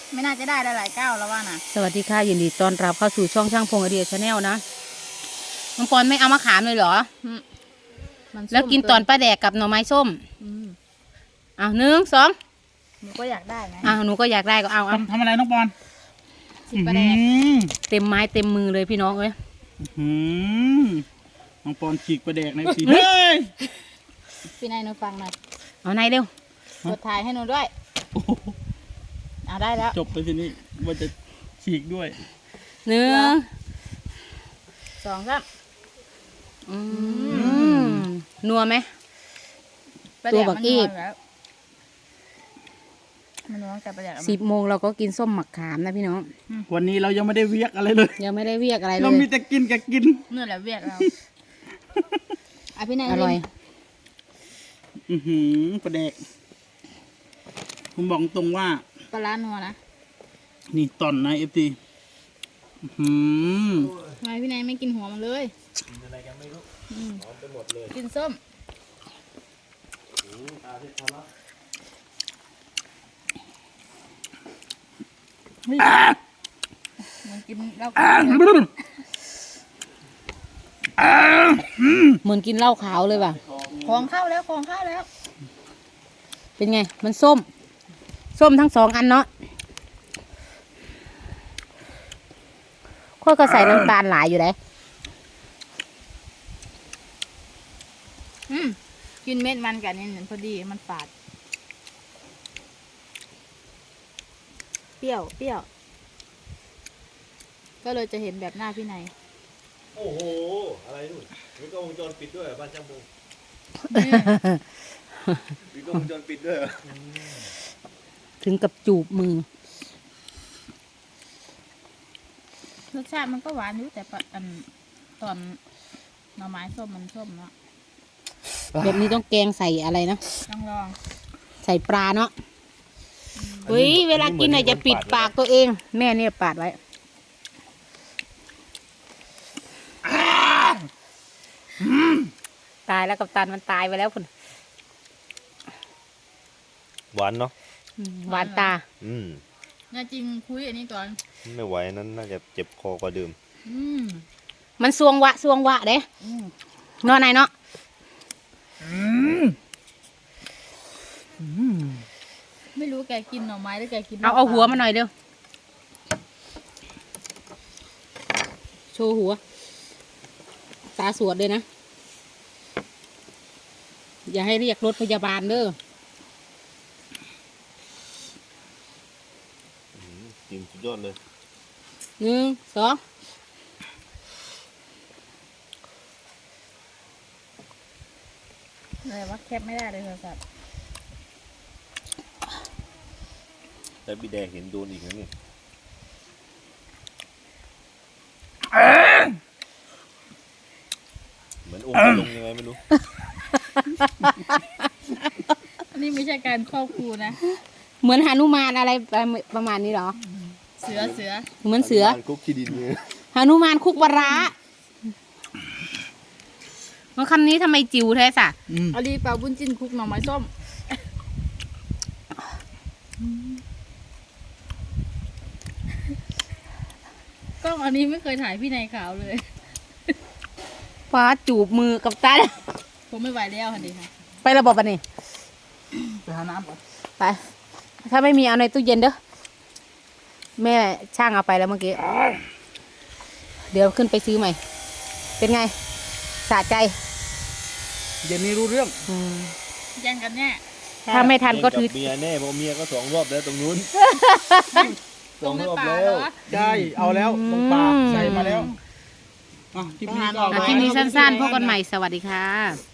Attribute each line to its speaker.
Speaker 1: ไม่น่าจะได้หลายๆก้าวแล้วว่านะ
Speaker 2: สวัสดีค่ะยินดีต้อนรับเข้าสู่ช่องช่างพงไอเดียชาแนลนะน้องปอนไม่เอามะขามเลยเหรอแล้วกินตอนปลาแดกกับหน่อไม้ส้มเอา1 2
Speaker 1: หนูก็อยากได้ไง
Speaker 2: หนูก็อยากได้ก็เอา
Speaker 3: ทำอะไรน้องปอน
Speaker 1: ฉีกปลาแดก
Speaker 2: เต็มไม้เต็มมือเลยพี่น้องเอ้ย
Speaker 3: น้องปอนฉีกปลาแดกในสีเฮ้ย
Speaker 1: พี่นายหนูฟังหน่อย
Speaker 2: เอาไหนเร็ว
Speaker 1: กดถ่ายให้หนูด้วยเอาได้แล้ว
Speaker 3: จบไปทีนี้ว่าจะฉีกด้วย
Speaker 2: 1
Speaker 1: 2 3
Speaker 2: นัวไหมตัวบักกี้
Speaker 1: มันนัวแต่ปลาแดก
Speaker 2: 10 โมงเราก็กินส้มหมักขามนะพี่น้อง
Speaker 3: วันนี้เรายังไม่ได้เวียกอะไรเลย
Speaker 2: ยังไม่ได้เวียกอะไรเลย
Speaker 3: เรามีแต่กินกับกิน
Speaker 1: นี่แหละเวียกเราพี่นาย
Speaker 2: อร่อย
Speaker 3: ปลาแดกผมบอกตรงว่า
Speaker 1: ปลาล้านัวนะ
Speaker 3: นี่ตอนนะFT
Speaker 1: ทำไมพี่นายไม่กินหัวมันเลย
Speaker 3: กินอะไรกันไม่รู้หอมไปหมดเลย
Speaker 1: กินส้มมันกินเหล้า
Speaker 2: เหมือนกินเหล้าขาวเลยว่ะ
Speaker 1: ของเข้าแล้ว
Speaker 2: เป็นไงมันส้มทั้ง2 อันเนาะข้อก็ใส่น้ำตาลหลายอยู่เลย
Speaker 1: กินเม็ดมันกันนี่พอดีมันฝาดเปรี้ยวก็เลยจะเห็นแบบหน้าพี่นาย
Speaker 4: โอ้โหอะไรนู่นมีกล้องวงจรปิดด้วยบ้านช่างพงมีกล้องวงจรปิดด้วย
Speaker 2: ถึงกับจูบมือ
Speaker 1: รสชาติมันก็หวานอยู่แต่ตอนหน่อไม้ส้มมันส้มเนาะ
Speaker 2: แบบนี้ต้องแกงใส่อะไรนะ
Speaker 1: ต้องลอง
Speaker 2: ใส่ปลาเนาะเฮ้ยเวลากินจะปิดปากตัวเองแม่เนี่ยปาดไว้ตายแล้วกับตันมันตายไปแล้วคุณ
Speaker 4: หวานเนาะ
Speaker 2: หวานตา
Speaker 1: น่าจริงคุยอันนี้ก่อน
Speaker 4: ไม่ไหวนั้นน่าจะเจ็บคอกว่าเดิม
Speaker 2: มันสวงวะเด้นอนไหนเนาะ
Speaker 1: ไม่รู้แกกินหน่อไม้หรือแกกิน
Speaker 2: เอาหัวมาหน่อยเร็วโชว์หัวตาสวดเลยนะอย่าให้เรียกรถพยาบาลเด้อ
Speaker 4: จริงสุดยอดเลย
Speaker 2: 1 2
Speaker 1: อะไรวะแคปไม่ได้เลยโทรศัพท์
Speaker 4: แต่บีแดงเห็นโดนอีกนะนี่เหมือนองค์ลงยังไงไม่รู้
Speaker 1: อันนี้ไม่ใช่การครอบครูนะ
Speaker 2: เหมือนหนุมานอะไรประมาณนี้หรอ
Speaker 1: เสือ
Speaker 2: เหมือนเสือ
Speaker 4: คุกขี้ดินเลย
Speaker 2: หนุมานคุกวระมันคำนี้ทำไมจิ๋วแท้สะ
Speaker 1: เอาดีเปล่าบุญจินคุกหน่อไม้ส้มกล้องอันนี้ไม่เคยถ่ายพี่นายขาวเลย
Speaker 2: ฟ้าจูบมือกับตา
Speaker 1: ผมไม่ไหวแล้วค่ะดีค่ะ
Speaker 2: ไประบบอันนี้
Speaker 3: ไปหาน้ำก่อน
Speaker 2: ไปถ้าไม่มีเอาในตู้เย็นเด้อแม่ช่างเอาไปแล้วเมื่อกี้เดี๋ยวขึ้นไปซื้อใหม่เป็นไงสะใจ
Speaker 3: เย็นนี้รู้เรื่อง
Speaker 1: แย่งกันแน่
Speaker 2: ถ้าไม่ทันก็ถือ
Speaker 4: เมียแน่เพราะเมียก็2 รอบแล้วตรงนู้น2 รอบแล้ว
Speaker 3: ได้เอาแล้วลงปลาใส่มาแล้ว
Speaker 2: คลิปนี้สั้นๆพบกันใหม่สวัสดีค่ะ